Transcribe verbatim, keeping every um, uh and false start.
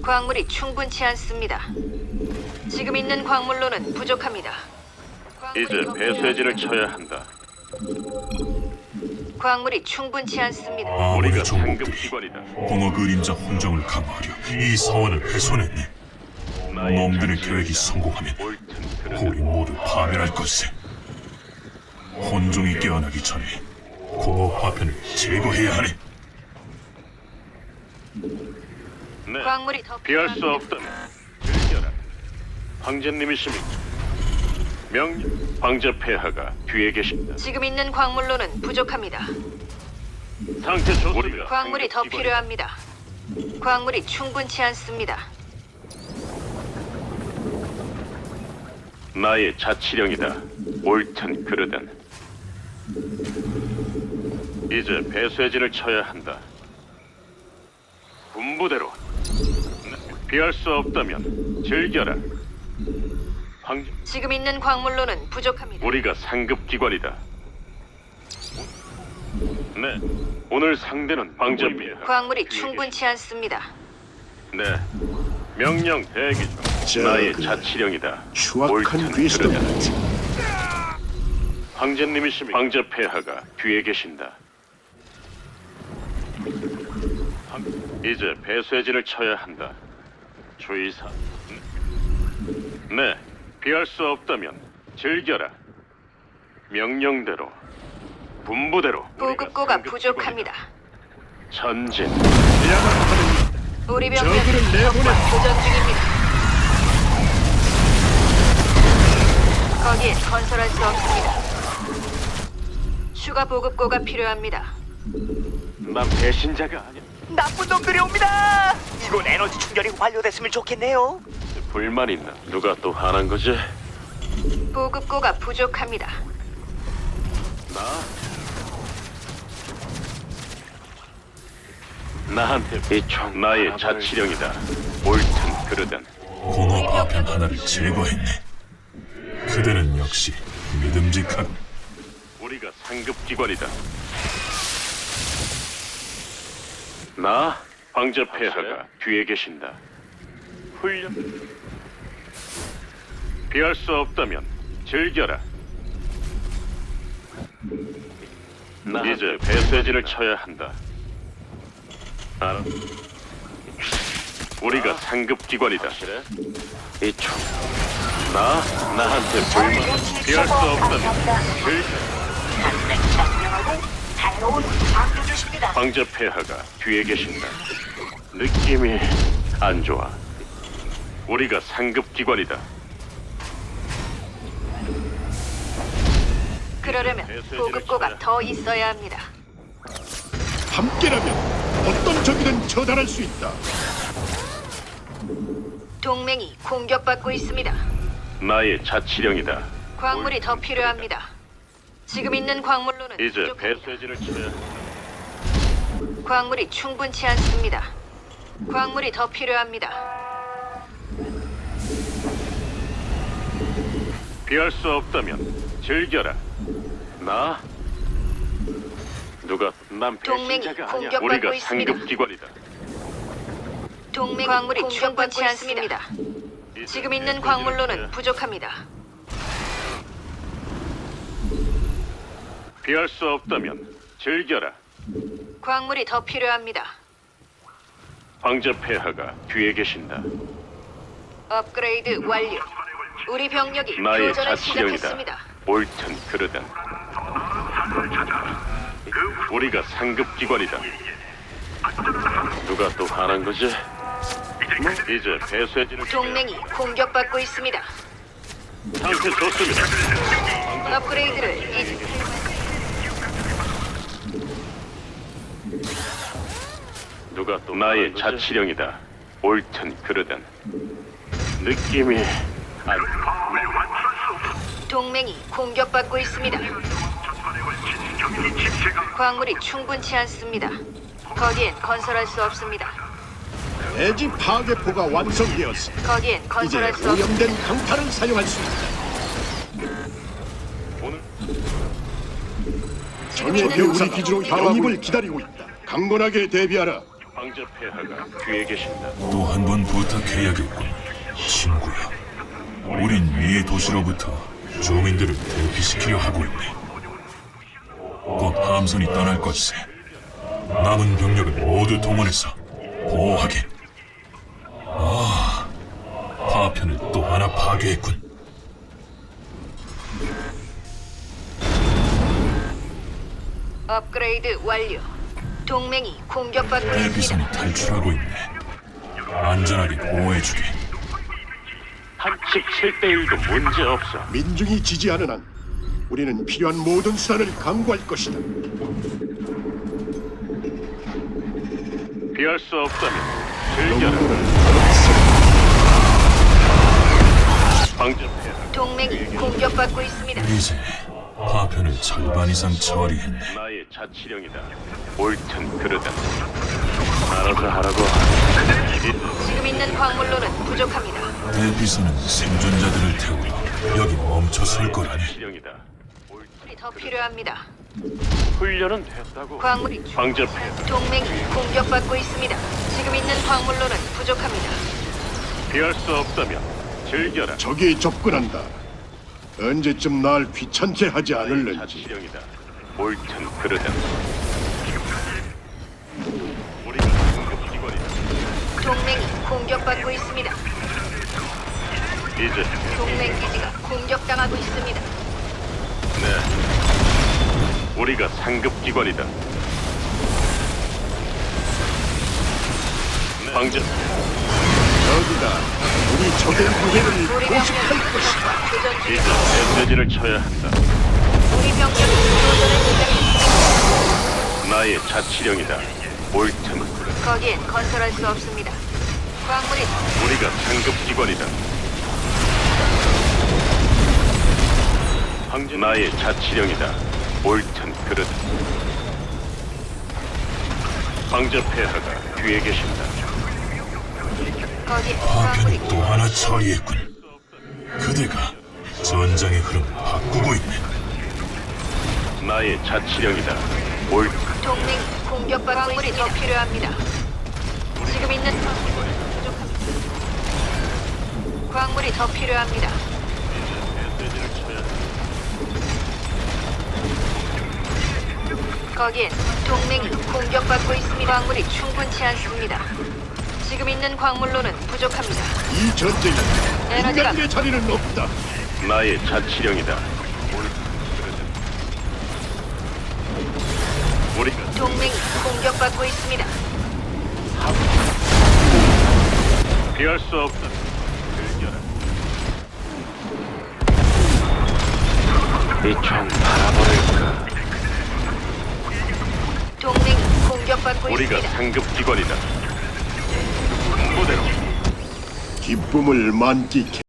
광물이 충분치 않습니다. 지금 있는 광물로는 부족합니다. 광물이 이제 더 배쇄진을 쳐야 한다. 필요- 광물이 충분치 않습니다. 우리가 아무리 상급 정복들이 기관이다. 공허 그림자 혼종을 강화하려 이 사원을 훼손했네. 나의 놈들의 자치령이다. 계획이 성공하면 옳든 그르든 우리 모두 파멸할 것세. 혼종이 깨어나기 전에 공허 파편을 제거해야 하네. 네. 광물이 더 피할 수 필요합니다. 없다면 즐겨라. 황제님이십니까? 명령. 황제 폐하가 뒤에 계십니다. 지금 있는 광물로는 부족합니다. 상태 좋습니다. 광물이 더 상급 기관이다. 필요합니다. 광물이 충분치 않습니다. 나의 자치령이다. 옳든 그르든. 이제 배쇄진을 쳐야 한다. 군부대로. 피할 수 없다면 즐겨라. 황제. 지금 있는 광물로는 부족합니다. 우리가 상급 기관이다. 네. 오늘 상대는 황제 폐하. 광물이 충분치 않습니다. 네. 명령 대기 중. 자, 나의 그래. 자치령이다. 추악한 옳든 귀신들 그르든. 같은 황제님이십니까? 황제 폐하가 뒤에 계신다. 황- 이제 배쇄진을 쳐야 한다. 주의사. 네, 피할 수 없다면 즐겨라. 명령대로, 분부대로. 보급고가 우리가 부족합니다. 전진. 우리 저그를 병력이 내보내. 적과 교전 중입니다. 거기에 건설할 수 없습니다. 추가 보급고가 필요합니다. 난 배신자가 아니야. 나쁜 놈들이 옵니다. 이건 에너지 충전이 완료됐으면 좋겠네요. 불만 있나? 누가 또 화난 거지? 보급고가 부족합니다. 나? 나한테 이총 나의 자치령이다. 옳든 그르든. 공허 파편 하나를 제거했네. 그대는 역시 믿음직하군. 우리가 상급 기관이다. 나 황제 폐하가 뒤에 계신다. 훈련. 피할 수 없다면 즐겨라. 나 이제 배쇄진을 쳐야 한다. 알아. 우리가 상급 기관이다. 이총 나 나한테 불만. 피할 수 없다면 즐겨. 새로운 방주주십니다. 황제 폐하가 뒤에 계신다. 느낌이 안 좋아. 우리가 상급 기관이다. 그러려면 보급고가 더 있어야 합니다. 함께라면 어떤 적이든 처단할 수 있다. 동맹이 공격받고 있습니다. 나의 자치령이다. 광물이 더 필요합니다. 지금 있는 광물로는 이제 부족합니다. 배쇄진을 쳐야 한다. 광물이 충분치 않습니다. 광물이 더 필요합니다. 피할 수 없다면 즐겨라. 나 누가 난 동맹이 배신자가 아니야. 공격받고 우리가 있습니다. 상급 기관이다. 동맹 광물이 충분치 않습니다. 이제 지금 있는 배쇄진을 광물로는 쳐야 부족합니다. 피할 수 없다면 즐겨라. 광물이 더 필요합니다. 황제 폐하가 뒤에 계신다. 업그레이드 완료. 우리 병력이 나의 교전을 자치령이다. 시작했습니다. 옳든 그르든. 우리가 상급 기관이다. 누가 또 화난 거지? 뭐, 이제 배쇄진을 동맹이 공격받고 있습니다. 상태 좋습니다. 업그레이드를 이제 누가 또 나의 자치령이다. 옳든 그르든. 느낌이 안 동맹이 공격받고 있습니다. 광물이 충분치 않습니다. 거기엔 건설할 수 없습니다. 대지 파괴포가 완성되었어. 거기엔 이제 건설할 수 없습니다. 오염된 강타를 사용할 수 있다. 오늘 적의 우리 기지로 영입을 기다리고 있다. 강건하게 대비하라. 황제 폐하가 뒤에 계신다. 또 한 번 부탁해야겠군, 친구야. 우린 이 도시로부터 주민들을 대피시키려 하고 있네. 곧 함선이 떠날 것이세. 남은 병력을 모두 동원해서 보호하게. 아, 파편을 또 하나 파괴했군. 업그레이드 완료. 동맹이 공격받고 있습니다. 대피선이 탈출하고 있네. 안전하게 보호해주게. 한 십칠 대 일도 문제 없어. 민중이 지지하는 한 우리는 필요한 모든 수단을 강구할 것이다. 피할 수 없다면 즐겨라. 황제 폐하. 동맹이 공격받고 있습니다. 이제 파편을 절반 이상 처리했네. 나의 자치령이다. 옳든 그르든 알아서 하라고. 지금 있는 광물로는 부족합니다. 대피선은 생존자들을 태우러 여기 멈춰 설 거라니. 자치령이다. 광물이 더 필요합니다. 훈련은 됐다고. 광물이 황제 폐하. 동맹이 공격받고 있습니다. 지금 있는 광물로는 부족합니다. 피할 수 없다면 즐겨라. 적이 접근한다. 언제쯤 날 귀찮게 하지 않을는지. 자치령이다. 옳든 그르든 우리가 상급기관이다. 동맹이 공격받고 있습니다. 이제 동맹 기지가 공격당하고 있습니다. 네, 우리가 상급기관이다. 황제 저기다. 우리 적의 무게를 우리 포식할 병력이 것이다. 교전 이제 중입니다. 메시지를 쳐야 한다. 우리 병력이 교전을 시작했습니다. 나의 자치령이다. 옳든 그르든 거기엔 건설할 수 없습니다. 광물이 우리가 상급기관이다. 황제 나의 자치령이다. 옳든 그르든 황제 폐하가 뒤에 계신다. 거기엔 광물이 파편을 또 하나 처리했군. 그대가 전장의 흐름을 바꾸고 있네. 나의 자치령이다. 옳든 동맹이 공격받고 광물이 더 필요합니다. 지금 있는 광물이 부족합니다. 광물이 더 필요합니다. 메시지를 쳐야 한다. 거기엔 동맹이 공격받고 있습니다. 광물이 충분치 않습니다. 지금 있는 광물로는 부족합니다. 이 전쟁에 에너지가 인간의 자리는 없다. 나의 자치령이다. 우리가 동맹이 공격받고 있습니다. 피할 수 없다. 즐겨라. 이총 바라버릴까? 동맹이 공격받고 우리가 있습니다. 상급기관이다. 무대로 기쁨을 만끽해.